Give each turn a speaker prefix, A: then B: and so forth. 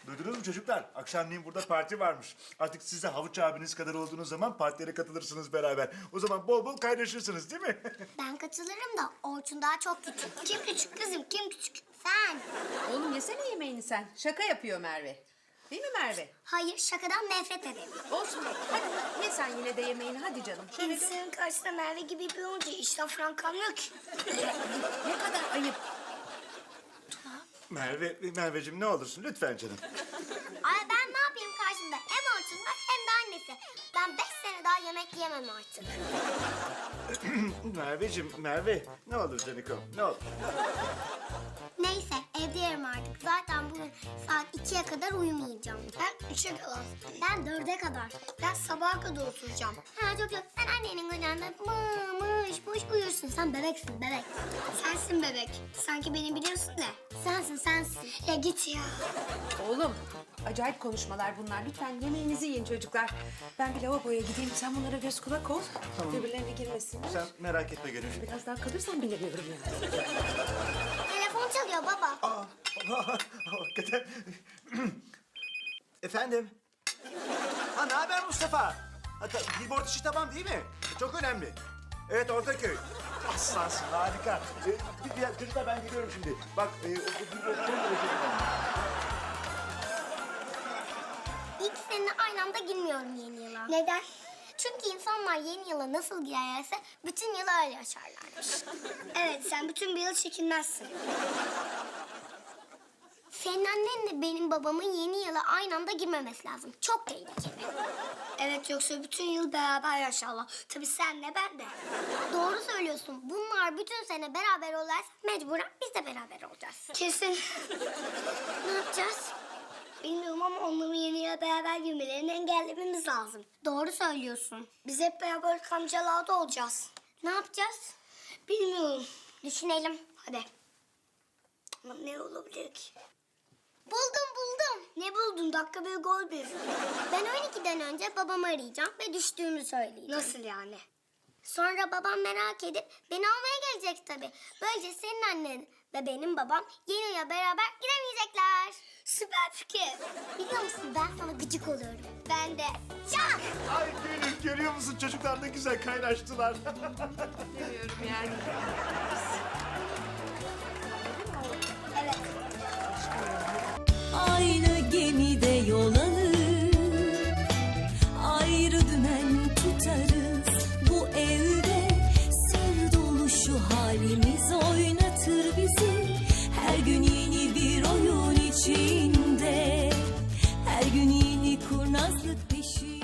A: Duydunuz mu çocuklar? Akşamleyin burada parti varmış. Artık siz de Havuç abiniz kadar olduğunuz zaman partilere katılırsınız beraber. O zaman bol bol kaynaşırsınız değil mi?
B: Ben katılırım da Orçun daha çok küçük. Kim küçük kızım, kim küçük? Sen.
C: Oğlum yesene yemeğini sen. Şaka yapıyor Merve. Değil mi Merve?
B: Hayır, şakadan nefret ederim.
C: Olsun. Hadi ye sen yine de yemeğini. Hadi canım. Şöyle dur.
B: İnsanın karşısında Merve gibi bir olunca iştah falan kalmıyor ki.
C: Ne kadar ayıp.
A: Merveciğim ne olursun lütfen canım.
B: Ay ben ne yapayım karşımda? Hem Orçun var hem de annesi. Ben 5 sene daha yemek yiyemem artık.
A: Merve ne olur Canikom ne olur.
B: Neyse evde yerim artık. Zaten bugün saat 2'ye kadar uyumayacağım. Ben 3'e kadar. Ben 4'e kadar. Ben sabaha kadar oturacağım. Ha yok sen annenin kucağında mış uyursun. Sen bebeksin bebek. Sensin bebek. Sanki beni biliyorsun da. Sensin. Ya git ya.
C: Oğlum acayip konuşmalar bunlar. Lütfen yemeğinizi yiyin çocuklar. Ben bir lavaboya gideyim. Sen bunlara göz kulak ol.
A: Tamam.
C: Birbirlerine girmesinler.
A: Sen merak etme Gönül.
C: Biraz daha kalırsan bilemiyorum yani.
B: Telefon çalıyor baba.
A: Hakikaten. Efendim? Ha ne haber Mustafa? Billboard işi tamam değil mi? Çok önemli. Evet Ortaköy. Aslansın harika. Çocuklar ben gidiyorum şimdi. Bak o billboard son derece önemli.
B: İlk seninle aynı anda girmiyorum yeni yıla. Neden? Çünkü insanlar yeni yıla nasıl girerse bütün yılı öyle yaşarlarmış. Evet, sen bütün bir yıl çekinmezsin. Senin annenle benim babamın yeni yıla aynı anda girmemesi lazım. Çok tehlikeli. Evet, yoksa bütün yıl beraber yaşarlar. Tabii senle ben de. Doğru söylüyorsun. Bunlar bütün sene beraber olursa mecburen biz de beraber olacağız. Kesin. Ne yapacağız? Bilmiyorum ama onların yeni yıla beraber girmelerini engellememiz lazım. Doğru söylüyorsun. Biz hep beraber amcalarda olacağız. Ne yapacağız? Bilmiyorum. Düşünelim. Hadi. Ama ne olabilir ki? Buldum. Ne buldun? Dakika bir gol bir. Ben 12'den önce babamı arayacağım ve düştüğümü söyleyeceğim. Nasıl yani? Sonra babam merak edip beni almaya gelecek tabii. Böylece senin annen ve benim babam yeni yıla beraber giremeyecekler. Süper fikir. Biliyor musun ben sana gıcık oluyorum. Ben de. Çak!
A: Ay Gönül görüyor musun çocuklar ne güzel kaynaştılar.
C: Bilmiyorum yani.
B: Evet.
D: Aynı gemide yol alır, ayrı dümen tutarız. Bu evde sır dolu şu halimiz oynatır bizi. Her gün yeni bir oyun içinde, her gün yeni kurnazlık peşinde.